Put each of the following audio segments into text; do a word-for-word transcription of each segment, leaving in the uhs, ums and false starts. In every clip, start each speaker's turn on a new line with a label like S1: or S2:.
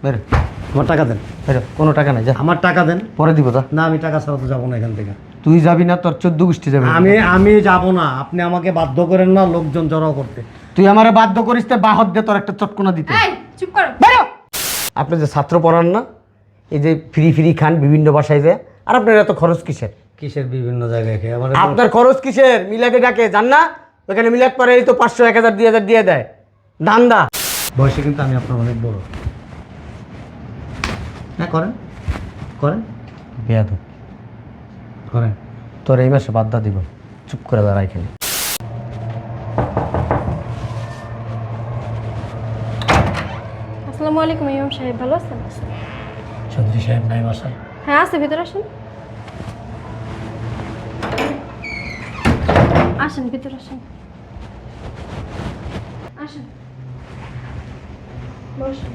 S1: বেরো, আমার টাকা দেন। বেরো, কোনো টাকা নাই, যা।
S2: আমার টাকা দেন।
S1: পরে দিব, যা।
S2: না, আমি টাকা ছাড়া তো যাবো না এখান থেকে।
S1: তুই যাবি না, তোর চোদ্দ গোষ্ঠী যাবে।
S2: আমি আমি যাব না, আপনি আমাকে বাধ্য করেন না লোকজন জড়ো করতে।
S1: তুই আমারে বাধ্য করিস তো বাহত দে তোর একটা চটকনা দিতে।
S3: এই চুপ করো।
S1: বেরো। আপনি যে ছাত্র পড়ান না, এই যে ফ্রি ফ্রি খান বিভিন্ন বাসায় যায়, আর আপনার এত খরচ কিসের?
S2: কিসের বিভিন্ন জায়গায় খেয়ে আমার
S1: আপনার খরচ কিসের? মিলাকে ডাকে জান না, ওখানে মিলাদ পরে এই তো পাঁচশো এক হাজার দুই হাজার দিয়ে দেয় দান্দা।
S2: বয়সে কিন্তু আমি আপনার অনেক বড়। হ্যাঁ, করেন করেন
S1: বেয়াদ
S2: করেন।
S1: তোর এই মাসে বাদ্যা দিব, চুপ করে দাঁড়াই খেলে।
S3: আসসালামু আলাইকুম ইমাম সাহেব, ভালো আছেন?
S2: চৌধুরী সাহেব নাই বাসায়?
S3: হ্যাঁ আছে, ভিতরে আসেন। আসেন ভিতরে আসেন। আসেন বসুন।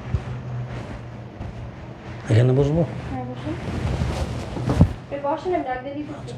S2: এখানে বসবো?
S3: হ্যাঁ বসুন। এই বসেন, আমি ডাক দিয়ে দিতেছি।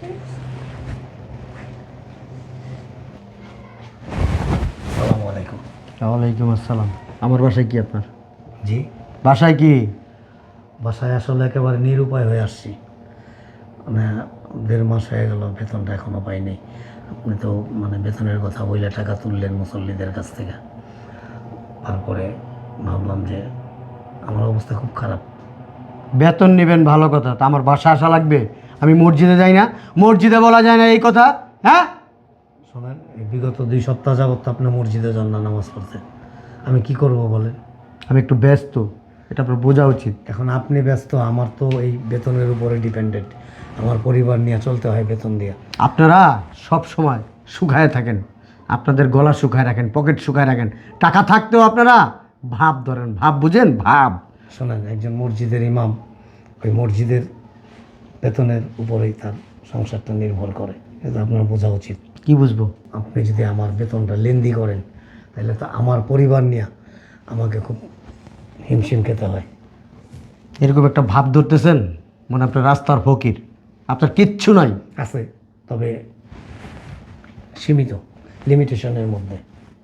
S2: আসসালামু আলাইকুম।
S1: ওয়ালাইকুম আসসালাম। আমার বাসায় কি আপনার?
S2: জি,
S1: বাসায় কি?
S2: বাসায় আসলে একেবারে নিরুপায় হয়ে আসছি। মানে দেড় মাস হয়ে গেল, বেতনটা এখনও পাইনি। আপনি তো মানে বেতনের কথা বইলে টাকা তুললেন মুসল্লিদের কাছ থেকে। তারপরে ভাবলাম যে আমার অবস্থা খুব খারাপ।
S1: বেতন নেবেন ভালো কথা, তা আমার বাসা আসা লাগবে? আমি মসজিদে যাই না? মসজিদে বলা যায় না এই কথা? হ্যাঁ,
S2: শোনেন, এই বিগত দুই সপ্তাহ যাবত তো আপনি মসজিদে যান না নামাজ পড়তে। আমি কি করব বলেন?
S1: আমি একটু ব্যস্ত, এটা আপনার বোঝা উচিত।
S2: এখন আপনি ব্যস্ত, আমার তো এই বেতনের উপরে ডিপেন্ডেন্ট। আমার পরিবার নিয়ে চলতে হয় বেতন দিয়ে।
S1: আপনারা সব সময় শুকায় থাকেন, আপনাদের গলা শুকায় রাখেন, পকেট শুকায় রাখেন, টাকা থাকতেও আপনারা ভাব ধরেন। ভাব বুঝেন? ভাব।
S2: শোনেন, একজন মসজিদের ইমাম, ওই মসজিদের বেতনের উপরেই তার সংসারটা নির্ভর করে। এটা আপনার বোঝা উচিত।
S1: কি বুঝবো?
S2: আপনি যদি আমার বেতনটা লেনদি করেন, তাহলে তো আমার পরিবার নিয়ে আমাকে খুব হিমশিম খেতে হয়।
S1: এরকম একটা ভাব ধরতেছেন মানে আপনার রাস্তার ফকির, আপনার কিচ্ছু নাই।
S2: আছে, তবে সীমিত, লিমিটেশনের মধ্যে।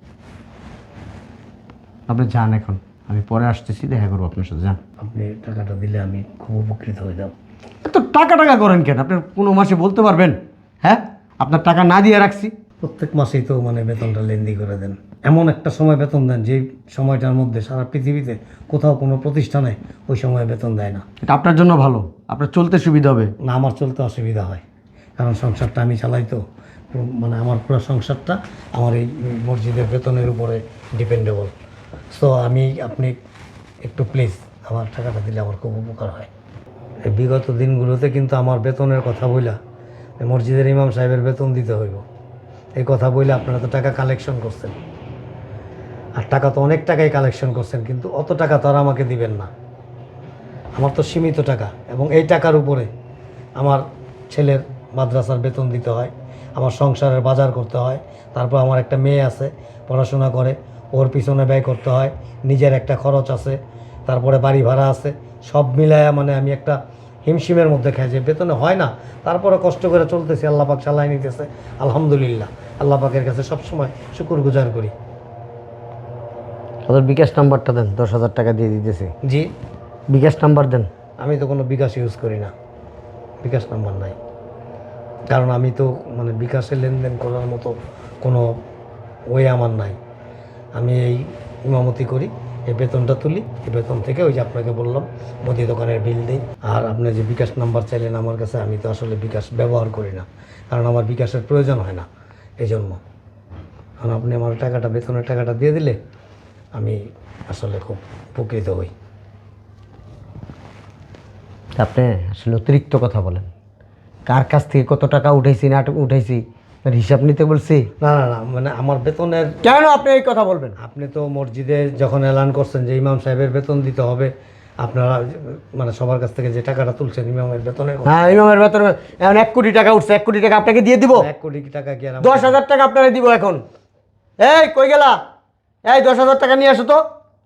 S1: আপনি যান এখন, আমি পরে আসতেছি, দেখা করবো আপনার সাথে। যান।
S2: আপনি টাকাটা দিলে আমি খুব উপকৃত হয়ে যাব।
S1: এত টাকা টাকা করেন কেন? আপনার কোনো মাসে বলতে পারবেন? হ্যাঁ, আপনার টাকা না দিয়ে রাখছি।
S2: প্রত্যেক মাসেই তো মানে বেতনটা লেনদি করে দেন। এমন একটা সময় বেতন দেন যেই সময়টার মধ্যে সারা পৃথিবীতে কোথাও কোনো প্রতিষ্ঠানে ওই সময় বেতন দেয় না।
S1: এটা আপনার জন্য ভালো, আপনার চলতে সুবিধা হবে।
S2: না, আমার চলতে অসুবিধা হয়, কারণ সংসারটা আমি চালাই তো। পুরো- মানে আমার পুরো সংসারটা আমার এই মসজিদের বেতনের উপরে ডিপেন্ডেবল। সো আমি আপনি একটু প্লিজ আমার টাকাটা দিলে আমার খুব উপকার হয়। এই বিগত দিনগুলোতে কিন্তু আমার বেতনের কথা বইলা এই মসজিদের ইমাম সাহেবের বেতন দিতে হইব, এই কথা বইলে আপনারা তো টাকা কালেকশন করছেন। আর টাকা তো অনেক টাকাই কালেকশন করছেন, কিন্তু অত টাকা তো আর আমাকে দিবেন না। আমার তো সীমিত টাকা, এবং এই টাকার উপরে আমার ছেলের মাদ্রাসার বেতন দিতে হয়, আমার সংসারের বাজার করতে হয়, তারপর আমার একটা মেয়ে আছে পড়াশোনা করে, ওর পিছনে ব্যয় করতে হয়, নিজের একটা খরচ আছে, তারপরে বাড়ি ভাড়া আছে। সব মিলায়া মানে আমি একটা হিমশিমের মধ্যে খাই, যে বেতনে হয় না, তারপরে কষ্ট করে চলতেছি। আল্লাহ পাক চালাই নিতেছে, আলহামদুলিল্লাহ। আল্লাহ পাকের কাছে সবসময় শুকর গুজার করি।
S1: ওদের বিকাশ নাম্বারটা দেন, দশ হাজার টাকা দিয়ে দিতেছি।
S2: জি,
S1: বিকাশ নাম্বার দেন।
S2: আমি তো কোনো বিকাশ ইউজ করি না, বিকাশ নাম্বার নাই। কারণ আমি তো মানে বিকাশে লেনদেন করার মতো কোনো ওয়ে আমার নাই। আমি এই ইমামতি করি, এই বেতনটা তুলি, এই বেতন থেকে ওই যে আপনাকে বললাম মুদি দোকানের বিল দিই। আর আপনি যে বিকাশ নাম্বার চাইলেন আমার কাছে, আমি তো আসলে বিকাশ ব্যবহার করি না, কারণ আমার বিকাশের প্রয়োজন হয় না, এই জন্য। কারণ আপনি আমার টাকাটা, বেতনের টাকাটা দিয়ে দিলে আমি আসলে খুব উপকৃত হই।
S1: আপনি আসলে অতিরিক্ত কথা বলেন। কার কাছ থেকে কত টাকা উঠাইছি না উঠাইছি তার হিসাব নিতে বলছি?
S2: না না না, মানে আমার বেতনের।
S1: কেন আপনি এই কথা বলবেন?
S2: আপনি তো মসজিদে যখন এলান করছেন যে ইমাম সাহেবের বেতন দিতে হবে, আপনারা মানে সবার কাছ থেকে যে টাকাটা তুলছেন ইমামের বেতনের কথা।
S1: হ্যাঁ, ইমামের বেতন এখন এক কোটি টাকা উঠছে, এক কোটি টাকা আপনাকে দিয়ে দিব।
S2: এক কোটি টাকা কি আর
S1: দশ হাজার টাকা আপনারা দিব এখন। এই কই গেলা? এই দশ হাজার টাকা নিয়ে আসো তো।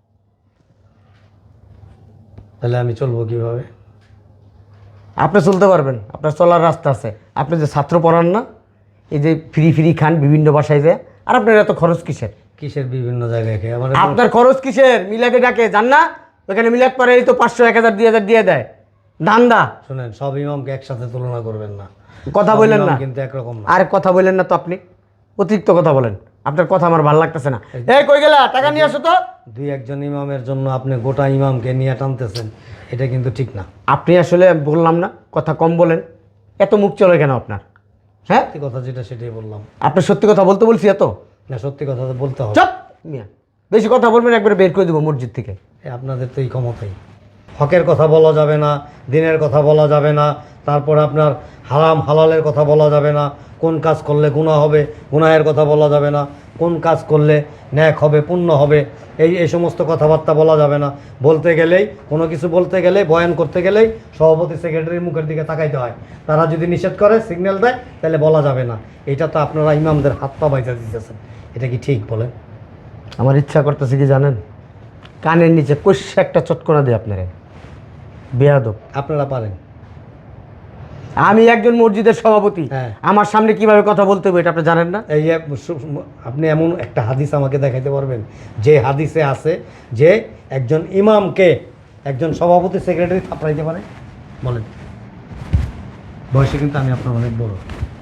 S2: তাহলে আমি চলবো কিভাবে?
S1: আপনি চলতে পারবেন, আপনার চলার রাস্তা আছে। আপনি যে ছাত্র পড়ান না, এই যে ফ্রি ফ্রি খান বিভিন্ন বাসায় যায়, আর আপনার এত খরচ কিসের?
S2: কিসের বিভিন্ন জায়গায় খেয়ে আমার
S1: আপনার খরচ কিসের? মিলাকে ডাকে জান না, ওখানে মিলাদ পরে এই তো পাঁচশো এক হাজার দুই হাজার দিয়ে দেয় দান্দা।
S2: শুনেন, সব ইমামকে একসাথে তুলনা করবেন না,
S1: কথা
S2: সব
S1: বললেন
S2: ইমাম
S1: না
S2: কিন্তু একরকম না।
S1: আর কথা বললেন না তো আপনি, অতিরিক্ত কথা বলেন। আপনার কথা আমার ভালো লাগতেছে না। এই কই গেলা, টাকা নিয়ে আসো তো।
S2: দুই একজন ইমামের জন্য আপনি গোটা ইমামকে নিয়ে টানতেছেন, এটা কিন্তু ঠিক না।
S1: আপনি আসলে বললাম না কথা কম বলেন, এত মুখ চলে কেন আপনার? হ্যাঁ,
S2: সত্যি কথা যেটা সেটাই বললাম।
S1: আপনার সত্যি কথা বলতে বলছি এত?
S2: না, সত্যি কথা তো বলতে হবে।
S1: চুপ মিয়া, বেশি কথা বলবেন একবারে বের করে দেবো মসজিদ থেকে।
S2: এ আপনাদের তো এই ক্ষমতাই। হকের কথা বলা যাবে না, দিনের কথা বলা যাবে না, তারপর আপনার হারাম হালালের কথা বলা যাবে না, কোন কাজ করলে গুনাহ হবে গুনাহের কথা বলা যাবে না, কোন কাজ করলে ন্যাক হবে পুণ্য হবে, এই এই সমস্ত কথাবার্তা বলা যাবে না। বলতে গেলেই কোনো কিছু বলতে গেলে বয়ান করতে গেলেই সভাপতি সেক্রেটারির মুখের দিকে তাকাইতে হয়। তারা যদি নিষেধ করে সিগন্যাল দেয় তাহলে বলা যাবে না। এটা তো আপনারা ইমামদের হাত পা বাইজা দিতেছেন, এটা কি ঠিক বলেন?
S1: আমার ইচ্ছা করতেছে কি জানেন, কানের নিচে কষে একটা চটকনা দিই আপনারে, বেয়াদব।
S2: আপনারা পারেন।
S1: আমি একজন মসজিদের সভাপতি,
S2: হ্যাঁ।
S1: আমার সামনে কিভাবে কথা বলতে হবে এটা আপনি জানেন না?
S2: এই এক সু- আপনি এমন একটা হাদিস আমাকে দেখাইতে পারবেন যে হাদিসে আছে যে একজন ইমামকে একজন সভাপতি সেক্রেটারি থাপড়াইতে পারে? বলেন। বয়সে কিন্তু আমি আপনার অনেক বড়।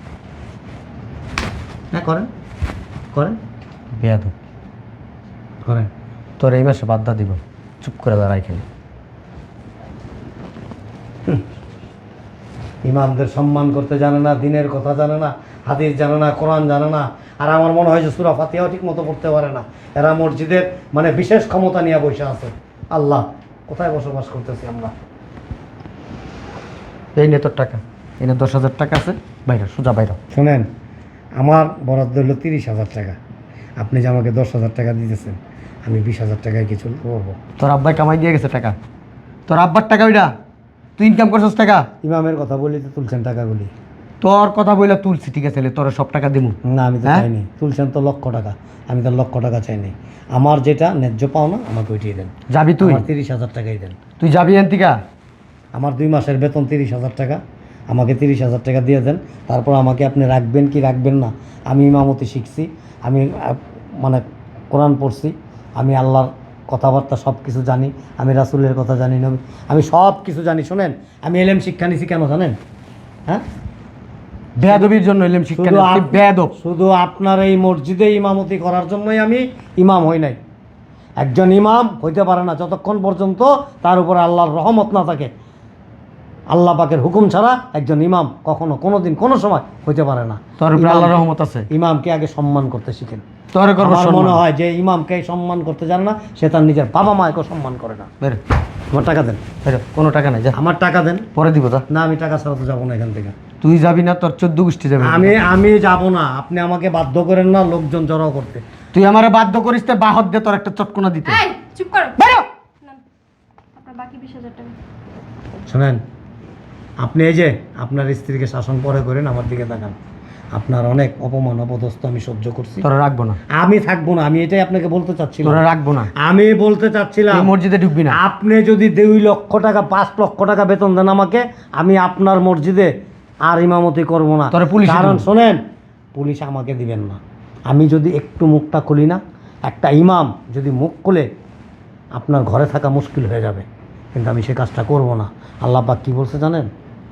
S2: হ্যাঁ, করেন করেন
S1: বেয়াদব,
S2: করেন।
S1: তোর এই মাসে বাদ্যা দিব, চুপ করে দাঁড়াই এখানে।
S2: ইমামদের সম্মান করতে জানে না, দিনের কথা জানে না, হাদিস জানে না, কোরআন জানে না, আর আমার মনে হয় যে সূরা ফাতিহাও ঠিক মতো পড়তে পারে না। এরা মসজিদের মানে বিশেষ ক্ষমতা নিয়ে বসে আছে। আল্লাহ, কোথায় বসবাস করতেছি আমরা?
S1: এই নে তোর টাকা, এনে দশ হাজার টাকা আছে, বাইরে সোজা বাইরে।
S2: শোনেন, আমার বরাদ্দ হলো তিরিশ হাজার টাকা। আপনি যে আমাকে দশ হাজার টাকা দিতেছেন, আমি বিশ হাজার টাকায় কি চলতে পারবো?
S1: তোর আব্বাই কামাই দিয়ে গেছে টাকা, তোর আব্বার টাকা ওইটা, তুই ইনকাম করছিস টাকা।
S2: ইমামের কথা বলি তো তুলছেন টাকাগুলি।
S1: তোর কথা বইলা তুলছি, ঠিক আছে, তোর সব টাকা দিমু।
S2: না, আমি তো
S1: হ্যাঁ?
S2: চাইনি। তুলছেন তো লক্ষ টাকা, আমি তো লক্ষ টাকা চাইনি। আমার যেটা ন্যায্য পাওনা আমাকে ওইটিয়ে দেন।
S1: যাবি তুই?
S2: আমার তিরিশ হাজার টাকাই দেন।
S1: তুই যাবি এনতিকা?
S2: আমার দুই মাসের বেতন তিরিশ হাজার টাকা, আমাকে তিরিশ হাজার টাকা দিয়ে দেন। তারপর আমাকে আপনি রাখবেন কি রাখবেন না, আমি ইমামতি শিখছি, আমি আহ, মানে কোরআন পড়ছি, আমি আল্লাহর কথাবার্তা সব কিছু জানি, আমি রাসূলের কথা জানি, নবী আমি সব কিছু জানি। শোনেন, আমি এলেম শিক্ষা নিছি কেন জানেন? হ্যাঁ,
S1: বেয়াদবির জন্য এলাম শিক্ষা
S2: শুধু
S1: নিতে। তুই
S2: আপ-
S1: বেয়াদব।
S2: শুধু আপনার এই মসজিদে ইমামতি করার জন্যই আমি ইমাম হই নাই। একজন ইমাম হইতে পারে না যতক্ষণ পর্যন্ত তার উপরে আল্লাহর রহমত না থাকে। আল্লাহ পাকের হুকুম ছাড়া একজন ইমাম কখনো কোনো দিন কোনো সময় হইতে পারে না।
S1: তোর উপরে
S2: ইমাম-
S1: আল্লাহর রহমত আছে,
S2: ইমামকে আগে সম্মান করতে শিখেন।
S1: তোর করবো
S2: আমার
S1: সম্মান।
S2: মনে হয় যে ইমামকে সম্মান করতে জানে না, সে তার নিজের বাবা মাকেও সম্মান করে না।
S1: বেরো,
S2: আমার টাকা দেন,
S1: বেরো, কোনো টাকা নাই, যা
S2: আমার টাকা দেন।
S1: পরে দিব। যা,
S2: না, আমি টাকা ছাড়া তো যাবো না এখান থেকে।
S1: তুই যাবি না, তোর চোদ্দ গোষ্ঠী যাবে।
S2: আমি আমি যাব না, আপনি আমাকে বাধ্য করেন না লোকজন জড়ো করতে।
S1: তুই আমারে বাধ্য করিস তো বাহত দে তোর একটা চটকনা দিতে।
S3: এই চুপ করো।
S1: বেরো।
S3: না, আপনার বাকি বিশ হাজার টাকা।
S2: শোনেন, আপনি এই যে আপনার স্ত্রীকে শাসন পরে করেন, আমার দিকে তাকান। আপনার অনেক অপমান অপদস্থ আমি সহ্য করছি।
S1: তোরা রাখবো না,
S2: আমি থাকবো না, আমি এটাই আপনাকে বলতে চাচ্ছিলাম।
S1: তোরা রাখবো না।
S2: আমি বলতে চাচ্ছিলাম,
S1: তুই মসজিদে ঢুকবি না।
S2: আপনি যদি দুই লক্ষ টাকা পাঁচ লক্ষ টাকা বেতন দেন আমাকে, আমি আপনার মসজিদে আর ইমামতি করব না।
S1: তোরে পুলিশে
S2: কারণ
S1: দিবো।
S2: শোনেন, পুলিশ আমাকে দিবেন না। আমি যদি একটু মুখটা খুলি না, একটা ইমাম যদি মুখ খুলে আপনার ঘরে থাকা মুশকিল হয়ে যাবে, কিন্তু আমি সে কাজটা করব না। আল্লাহ পাক কী বলছে জানেন?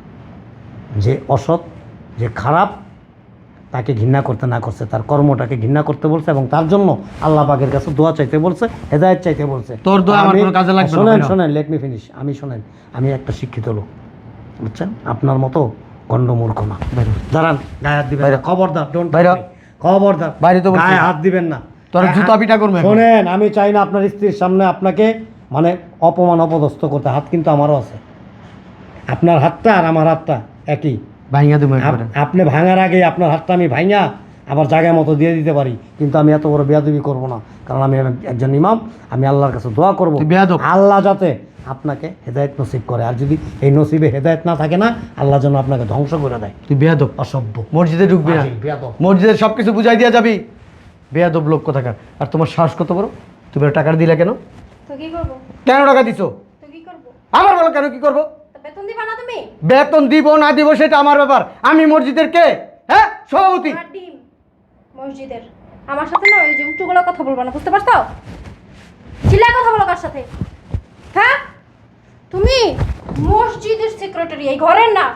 S2: যে অসৎ, যে খারাপ, তাকে ঘৃণা করতে না করছে, তার কর্মটাকে ঘৃণা করতে বলছে, এবং তার জন্য আল্লাহ পাকের কাছে দোয়া চাইতে বলছে, হেদায়েত চাইতে বলছে।
S1: তোর দোয়া আমার
S2: আমি-
S1: কোনো কাজে লাগবে না,
S2: শোনেন
S1: ভাইরা।
S2: শোনেন লেট মি ফিনিশ। আমি শোনেন, আমি একটা শিক্ষিত লোক, বুঝছেন? আপনার মতো গণ্ডমূর্খ না।
S1: বেরো।
S2: দাঁড়ান, গায়ে হাত দিবেন
S1: বাইরে।
S2: না। খবরদার, ডোন্ট
S1: বাইরে।
S2: খবরদার,
S1: বাইরে তো বলছি।
S2: গায়ে হাত দিবেন না।
S1: তোর জুতা পিটা করবে এখন।
S2: শোনেন, আমি চাই না আপনার স্ত্রীর সামনে আপনাকে মানে অপমান অপদস্থ করতে। হাত কিন্তু আমারও আছে, আপনার হাতটা আর আমার হাতটা একই।
S1: ভাইয়া দেবো
S2: আপ-
S1: একবারে।
S2: আপনি ভাঙার আগে আপনার হাতটা আমি ভাঙা আবার জায়গা মতো দিয়ে দিতে পারি, কিন্তু আমি এত বড় বেয়াদবি করব না। কারণ আমি এক- একজন ইমাম, আমি আল্লাহর কাছে দোয়া করব
S1: তুই বেয়াদব।
S2: আল্লাহ যাতে আপনাকে হেদায়েত নসিব করে, আর যদি এই নসিবে হেদায়েত না থাকে না, আল্লাহ যেন আপনাকে ধ্বংস করে দেয়।
S1: তুই বেয়াদব,
S2: অসভ্য,
S1: মসজিদে ঢুকবি না।
S2: আজীব, বেয়াদব।
S1: মসজিদের সব কিছু বুঝাই দিয়া যাবি। বেয়াদব লোক কোথাকার। আর তোমার সাহস কত বড়, তুমি ওর টাকা দিলা কেন?
S3: তো কি করবো?
S1: কেন টাকা দিছো?
S3: তো কি করবো?
S1: আমার বলো কেন, কি করবো?
S3: তো বেতন দিবা না তুমি?
S1: বেতন দিব না দিব সেটা আমার ব্যাপার। আমি মসজিদের কে? হ্যাঁ, সভাপতি।
S3: আমার ডিম মসজিদের। আমার সাথে না ওই যে উঁচু গলা কথা বলবা না, বুঝতে পারছো? চিল্লায় কথা বলো কার সাথে? হ্যাঁ তুমি মসজিদের সেক্রেটারি, এই ঘরের না।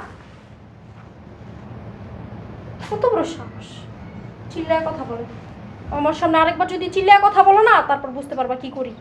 S3: কত বড় সাহস, চিল্লায় কথা বলে। আমার সামনে আরেকবার যদি চিল্লায় কথা বলো না, তারপর বুঝতে পারবা কি করি।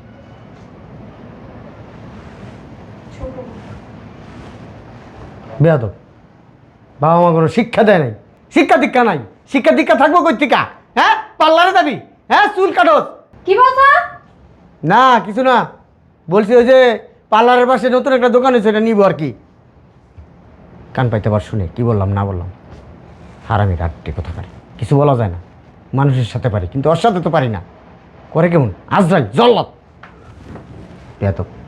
S3: ছোট মেয়ে।
S1: বেয়াদব, বাবা মা কোনো শিক্ষা দেয় নাই, শিক্ষা দীক্ষা নাই। শিক্ষা দীক্ষা থাকবো কই থেকে? হ্যাঁ, পার্লারে যাবি? হ্যাঁ, চুল কাটোস?
S3: কি বলছো?
S1: না কিছু না, বলছি ওই যে পার্লারের পাশে নতুন একটা দোকান হয়েছে, এটা নিবো আর কি। কান পাইতে পার শুনে কি বললাম না বললাম। হারামি রাত্রি কোথাকার, কিছু বলা যায় না। মানুষের সাথে পারি কিন্তু ওর সাথে তো পারি না। করে কেমন আজরাইল জল্লাদ বেয়াদব।